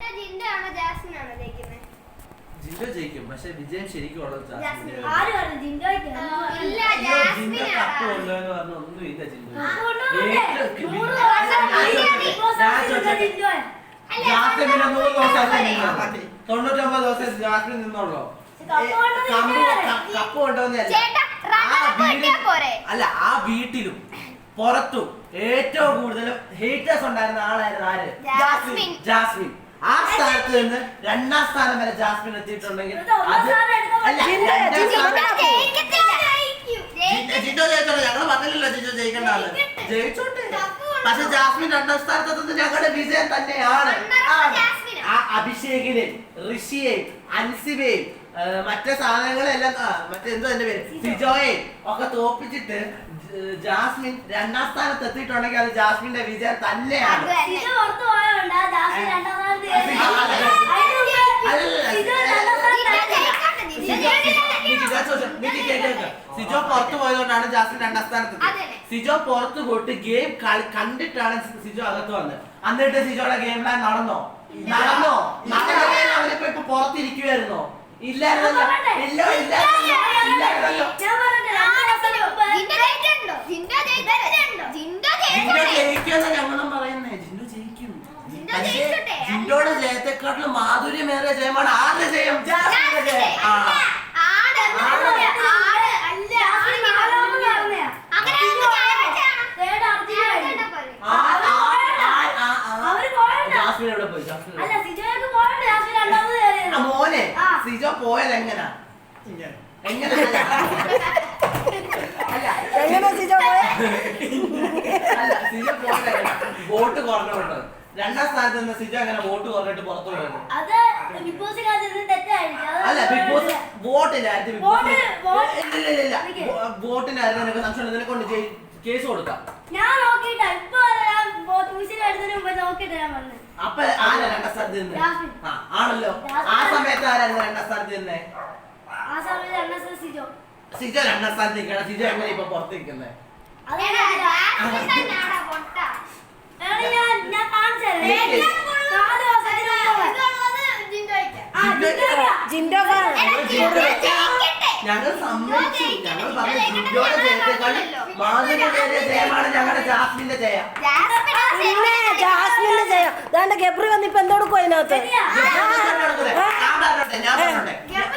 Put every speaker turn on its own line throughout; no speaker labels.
ജിൻഡോ ജയിക്കും, പക്ഷെ വിജയം ശരിക്കും ഉള്ളത്
കപ്പ് കൊണ്ടുപോയെന്ന് പറഞ്ഞ ഒന്നുമില്ല. ജിൻഡോ ജാസ്മിൻ 99 ദിവസം ജാസ്മിൻ നിന്നുള്ളൂ. കപ്പ് കൊണ്ടുവന്നല്ല, അല്ല ആ വീട്ടിലും പുറത്തും ഏറ്റവും കൂടുതൽ ഹേറ്റേഴ്സ് ഉണ്ടായിരുന്ന ആളായിരുന്നു ആര്? ജാസ്മിൻ. ആ സ്ഥാനത്ത് നിന്ന് 2ാം സ്ഥാനം വരെ ജാസ്മിൻ എത്തിയിട്ടുണ്ടെങ്കിൽ അത് ജിൻഡോ ജയിച്ചോട്ടെ, ഞങ്ങൾ പറഞ്ഞില്ലല്ലോ ജിൻഡോ ജയിക്കേണ്ട ആള്. ജയിച്ചോട്ടെ, പക്ഷെ ജാസ്മിൻ 2ാം സ്ഥാനത്തെത്തുന്നത് ഞങ്ങളുടെ വിജയം തന്നെയാണ്. ആ അഭിഷേകിനെയും ഋഷിയെയും അൻസിബയെയും മറ്റേ സാധനങ്ങളെല്ലാം മറ്റെന്തോ എന്റെ പേര് സിജോയെയും ഒക്കെ തോപ്പിച്ചിട്ട് ജാസ്മിൻ 2ാം സ്ഥാനത്ത് എത്തിയിട്ടുണ്ടെങ്കിൽ അത് ജാസ്മിന്റെ വിജയം തന്നെയാണ്. സിജോ പുറത്തു പോയതുകൊണ്ടാണ് ജാസ്മിൻ 2ാം സ്ഥാനത്ത്. സിജോ പുറത്തു പോയിട്ട് ഗെയിം കണ്ടിട്ടാണ് സിജോ അകത്ത് വന്നത്. എന്നിട്ട് സിജോയുടെ ഗെയിം പ്ലാൻ നടന്നോ? അവനിപ്പോ ഇപ്പൊ പുറത്തിരിക്കുവായിരുന്നോ? ഇല്ലായിരുന്നല്ലോ. ജിൻഡോ ജയിക്കുമെന്ന് ഞങ്ങളും പറയുന്നേ. ജിൻഡോ ജയിക്കും. ജിൻഡോയുടെ ജയത്തെക്കാട്ടിലും മാധുര്യമേറിയ ജയമാണ് ആരുടെ ജയം? ജാസ്മിന്റെ ജയം. ജാസ്മിൻ എവിടെ പോയി? മോനെ സിജോ പോയത് എങ്ങനാ? സിജോ പോയത് വോട്ട് കുറഞ്ഞുകൊണ്ട് 2ാം സ്ഥാനത്ത് നിന്ന് സിജോ എങ്ങനെ വോട്ട് കുറഞ്ഞിട്ട് പുറത്തു പോയത്? അല്ല ബിഗ് ബോസ് വോട്ടിലായിരുന്നു. വോട്ടിനായിരുന്നു. നിനക്ക് സംശയം നിന്നെ കൊണ്ട് കേസ് കൊടുക്കാം. അപ്പൊ ആരാ 2ാം സ്ഥാനത്ത് നിന്നേ? ആണല്ലോ. ആ സമയത്ത് ആരായിരുന്നു 2ാം സ്ഥാനത്ത് നിന്നേ? സിജോ 2ാം സ്ഥാനത്ത് നിൽക്കണം. സിജോ എങ്ങനെ ഇപ്പൊ പുറത്ത് നിൽക്കുന്നേ? ഞങ്ങൾ സമ്മതിച്ചു. ഞങ്ങൾ പറഞ്ഞു ജിൻഡോയുടെ ജയത്തെക്കാളും മാധുര്യമേറിയ ജയമാണ് ഞങ്ങളുടെ ജാസ്മിന്റെ ജയം.
ജാസ്മിന്റെ ജയം. ദാണ്ട ഗബ്രി വന്നിപ്പോ എന്തോടുക്കും അതിനകത്ത്?
ഞാൻ പറഞ്ഞോട്ടെ.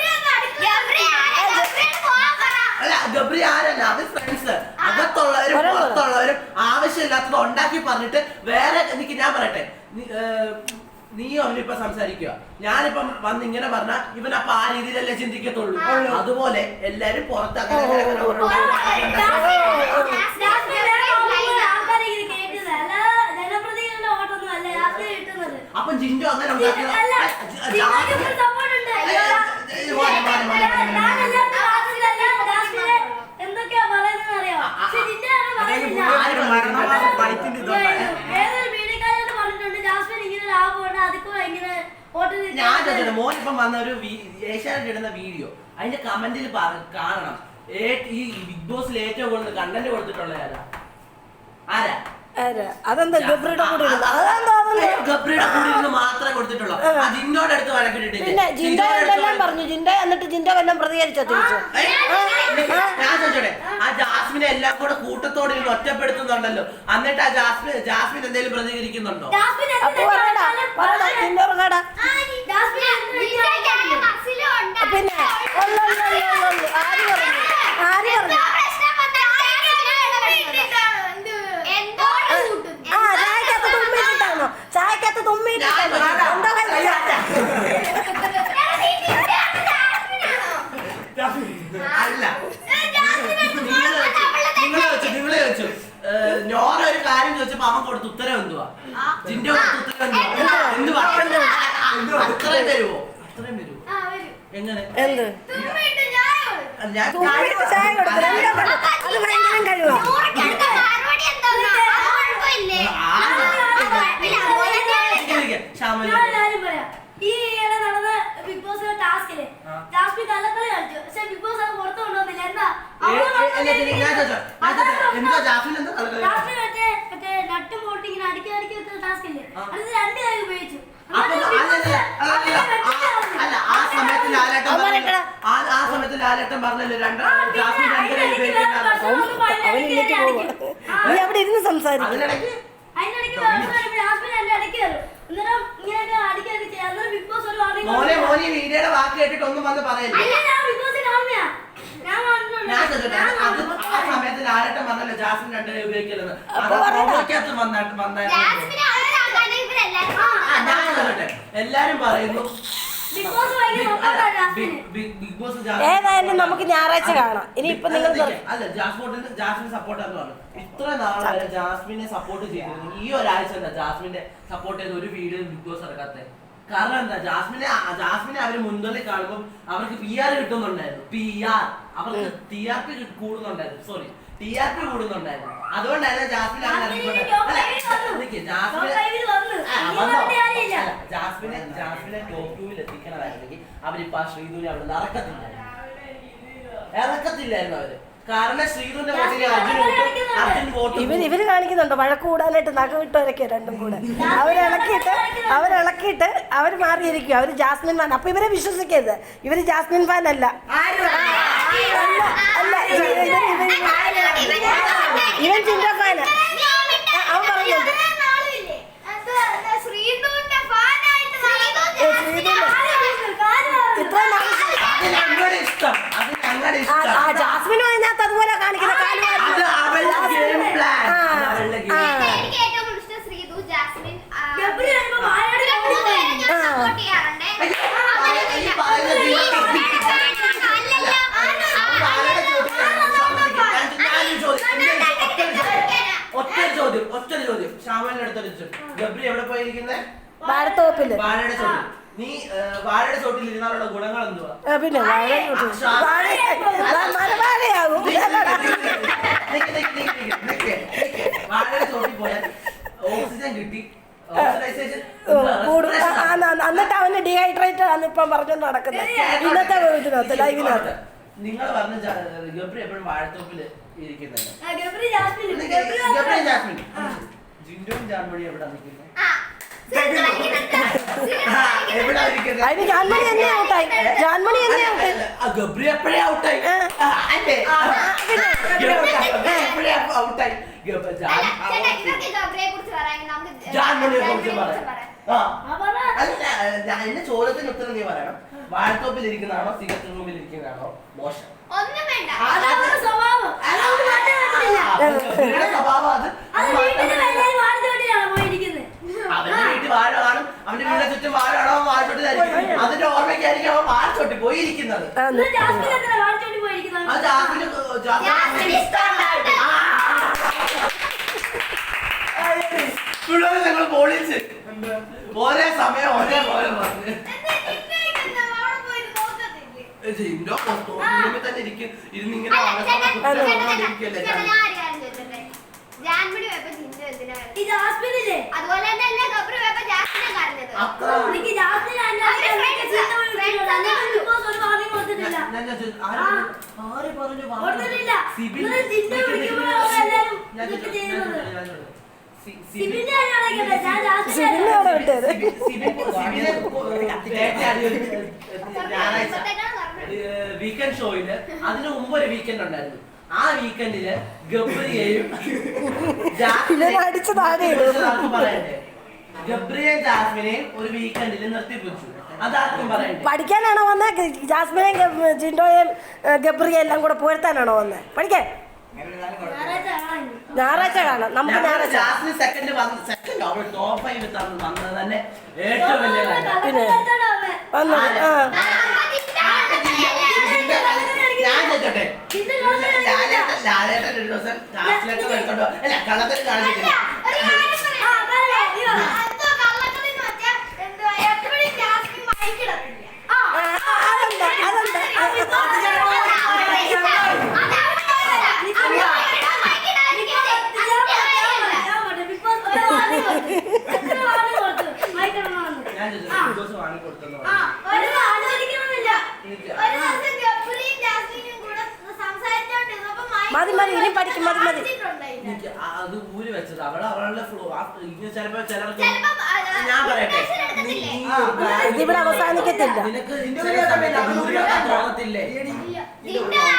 അല്ല ഗബ്രി ആരല്ല, അത് ഫ്രണ്ട്സ്. അകത്തുള്ളവരും പുറത്തുള്ളവരും ആവശ്യമില്ലാത്തത് ഉണ്ടാക്കി പറഞ്ഞിട്ട് വേറെ. എനിക്ക് ഞാൻ പറയട്ടെ, നീയോ അവനിപ്പൊ സംസാരിക്കുക. ഞാനിപ്പം വന്ന് ഇങ്ങനെ പറഞ്ഞ ഇവനപ്പൊ ആ രീതിയിലല്ലേ ചിന്തിക്കത്തുള്ളൂ. അതുപോലെ എല്ലാരും പുറത്ത് അപ്പൊ ജിൻഡോ അങ്ങനെ ഞാൻ ചോദിച്ചോട്ടെ, മോനിപ്പം വന്ന ഒരു ഏഷ്യാനെറ്റ് ഇടുന്ന വീഡിയോ, അതിന്റെ കമന്റിൽ കാണണം ഈ ബിഗ് ബോസിൽ ഏറ്റവും കൂടുതൽ കണ്ടന്റ് കൊടുത്തിട്ടുള്ള ആരാ?
അതെന്താ ഗബ്രിയുടെ കൂടെ
മാത്രമേ കൊടുത്തിട്ടുള്ളൂ. ജിൻഡോയുടെ അടുത്ത് വഴക്കിട്ടിട്ടില്ല.
പിന്നെ ജിൻഡോ എന്തെല്ലാം പറഞ്ഞു? ജിൻഡോ എന്നിട്ട് ജിൻഡോ വല്ലതും പ്രതികരിച്ചോ തിരിച്ചു?
ഞാൻ ചോദിച്ചോട്ടെ, ആ ജാസ്മിനെ എല്ലാം കൂടെ കൂട്ടത്തോടെ ഒറ്റപ്പെടുത്തുന്നുണ്ടല്ലോ. എന്നിട്ട് ആ ജാസ്മിൻ എന്തെങ്കിലും പ്രതികരിക്കുന്നുണ്ടോ?
പിന്നെ ആര് പറഞ്ഞു? ചായക്കകത്ത് തുമ്മിട്ടാണോ?
അല്ല, നിങ്ങളെ വെച്ചു നോറ ഒരു കാര്യം ചോദിച്ചപ്പോ അവൻ കൊടുത്ത ഉത്തരം എന്തുവാ? ജിൻഡോ കൊടുത്ത ഉത്തരം എന്തുവാ? അത്രയും വരുമോ? എങ്ങനെ?
എന്ത്
ഞാൻ
ചായ കൊടുത്തു? അത് ഭയങ്കരം കഴിവാ.
ഈ നടന്ന ബിഗ് ബോസിലെ ടാസ്കില് ജാസ്മിൻ കള്ളക്കളി കളിച്ചു. പക്ഷെ ബിഗ് ബോസ് അത് പുറത്തു കൊണ്ടുവന്നില്ല. എന്താ ജാസ്മിൻ മറ്റേ നട്ടും ബോൾട്ടും ഇങ്ങനെ അടുക്കി വെക്കുന്ന ടാസ്ക് ഇല്ലേ, അത് 2 കൈ ഉപയോഗിച്ചു.
ലാലേട്ടൻ പറഞ്ഞല്ലോ ജാസ്മിൻ രണ്ടുപേരെ ഉപയോഗിക്കുന്ന
അവൻ ഇന്നിട്ട് പോവാ. നീ അവിടെ ഇരുന്ന് സംസാരിക്കും.
അതിനിടയ്ക്ക് മോനെ വീഡിയോയുടെ വാക്ക് കേട്ടിട്ട് ഒന്നും വന്ന് പറയല്ലേ. ഞാൻ ചോദിച്ചോട്ടെ, അത് ആ സമയത്ത് ലാലേട്ടൻ പറഞ്ഞല്ലോ ജാസ്മിൻ രണ്ടുപേരെ ഉപയോഗിക്കലെന്ന്. അത് പ്രോമോക്കകത്ത് വന്നായിരുന്നു. ഞാൻ ചോദിച്ചോട്ടെ, എല്ലാരും പറയുന്നു ബിഗ് ബോസ്
ഏതായാലും നമുക്ക് ഞായറാഴ്ച കാണാം. ഇനി ഇപ്പൊ നിങ്ങൾ
അല്ല ജാസ്മിൻ സപ്പോർട്ട് എന്ന് പറഞ്ഞു. ഇത്ര നാൾ വരെ ജാസ്മിനെ സപ്പോർട്ട് ചെയ്തിരുന്നു. ഈ ഒരാഴ്ച എന്താ ജാസ്മിന്റെ സപ്പോർട്ട് ചെയ്ത ഒരു വീഡിയോ ബിഗ് ബോസ് ഇറക്കാത്തെ? കാരണം എന്താ, ജാസ്മിനെ അവര് മുൻതള്ളി കാണുമ്പോൾ അവർക്ക് PR കിട്ടുന്നുണ്ടായിരുന്നു. PR അവർക്ക് TRP കൂടുന്നുണ്ടായിരുന്നു. സോറി, TRP കൂടുന്നുണ്ടായിരുന്നു. അതുകൊണ്ടായിരുന്നു ജാസ്മിൻ ജാസ്മിനെ ടോപ്പ് 2-ൽ എത്തിക്കണമായിരുന്നെങ്കിൽ അവരിപ്പോ ആ ശ്രീധുവിനെ അവിടെ ഇറക്കത്തില്ലായിരുന്നു അവര്. കാരണം ശ്രീധുവിന്റെ അർജുൻ വോട്ട്
ഇവര് കാണിക്കുന്നുണ്ടോ വഴക്ക് കൂടാനായിട്ട് നഖവിട്ടവരൊക്കെ രണ്ടും കൂടെ അവരിളക്കിയിട്ട് അവർ മാറിയിരിക്കും. അവര് ജാസ്മിൻ ഫാൻ. അപ്പൊ ഇവരെ വിശ്വസിക്കരുത്, ഇവര് ജാസ്മിൻ ഫാൻ അല്ല. ഇവൻ ചിന്ത ഫാന്. അവൻ പറയുന്നുണ്ട് ജാസ്മിനും അതിനകത്ത് അതുപോലെ കാണിക്കുന്ന
ഒറ്റ ചോദ്യം ശ്യാമലിന്റെ അടുത്തൊരു ഗബ്രി എവിടെ പോയിരിക്കുന്നേ?
വാഴത്തോപ്പില്.
വാഴയുടെ ചോദ്യം. നീ വാഴയുടെ ചോട്ടിൽ ഇരുന്നാലുള്ള ഗുണങ്ങൾ എന്തുവാ?
പിന്നെ മരവാഴയാകും.
വാഴയുടെ ചോട്ടിൽ പോയാൽ ഓക്സിജൻ കിട്ടി,
എന്നിട്ട് അവന് ഡീഹൈഡ്രേറ്റ് ആണ് ഇപ്പൊ പറഞ്ഞോണ്ട് നടക്കുന്നത് ഇന്നത്തെ ഇതിനകത്ത് ലൈവിനകത്ത്.
നിങ്ങൾ പറഞ്ഞ ഗബ്രി എപ്പോഴും വാഴത്തോപ്പില് ഇരിക്കുന്നുണ്ട്. ജിൻഡോയും ജാൻമണി എവിടെ നിൽക്കുന്നത്?
അതിന് ജാൻമണി തന്നെ ഔട്ടായി. ജാൻമണി തന്നെ ഔട്ടായി.
ഗബ്രി എപ്പോഴേ ഔട്ടായി. ജാൻമണിയെ കുറിച്ച് പറയാം. എന്റെ ചോദ്യത്തിന് ഉത്തരം നീ പറയണം. വാഴത്തോപ്പിൽ ഇരിക്കുന്നതാണോ സിഗരറ്റ് റൂമിൽ ഇരിക്കുന്നതാണോ മോശം? സ്വഭാവം അത് അവന്റെ വീട്ടിൽ വാഴ കാണും, അവന്റെ വീടിന്റെ ചുറ്റും വാഴ കാണോ വാഴച്ചോട്ടിലായിരിക്കും. അതിന്റെ ഓർമ്മയ്ക്കായിരിക്കും അവൻ വാഴച്ചോട്ടി പോയിരിക്കുന്നത്. ഞങ്ങൾ പോളിച്ച് ഒരേ സമയം ഒരേപോലെ പറഞ്ഞു തന്നെ ഇരിക്കും. ഇരുന്നിങ്ങനെ വീക്കെൻഡ് ഷോയില് അതിന് മുമ്പ് ഒരു വീക്കെൻഡ് ഉണ്ടായിരുന്നു. ആ വീക്കെൻഡില് ഗബ്രിയെയും ഗബ്രിയെയും ജാസ്മിനെയും ഒരു വീക്കെൻഡിൽ നിർത്തിപ്പിച്ചു. അതാർക്കും പറയണ്ടേ?
പഠിക്കാനാണോ വന്നത്? ജാസ്മിനെയും ജിൻഡോയും ഗബ്രിയും എല്ലാം കൂടെ പോരുത്താനാണോ വന്നത്? പഠിക്കാൻ ഞായറാഴ്ച കാണാം. നമുക്ക് ഞായറാഴ്ച
ജാസ്മിൻ സെക്കൻഡ് അവൾ ടോപ്പ് 5 വന്നത് തന്നെ ഏറ്റവും വലിയ കാര്യം.
പിന്നെ വന്നു
ഞാൻ ചോദിച്ചോട്ടെ, ലാലേട്ടൻ ഒരു ദിവസം ജാസ്മിനൊക്കെ എടുത്തോണ്ടോ അല്ല കള്ളത്തിൽ കാണിച്ചിട്ടില്ല. ഞാൻ ചോദിച്ചു വാങ്ങി കൊടുത്തു.
മതി മതി ഇനി പഠിക്കും. മതി മതി
അത് ഊരി വെച്ചത് അവളുടെ ഫ്ലോ ചിലപ്പോ ചിലർക്ക് ഞാൻ പറയട്ടെ
ഇതിവിടെ അവസാനിക്കത്തില്ല.
നിനക്ക് തോന്നത്തില്ലേ?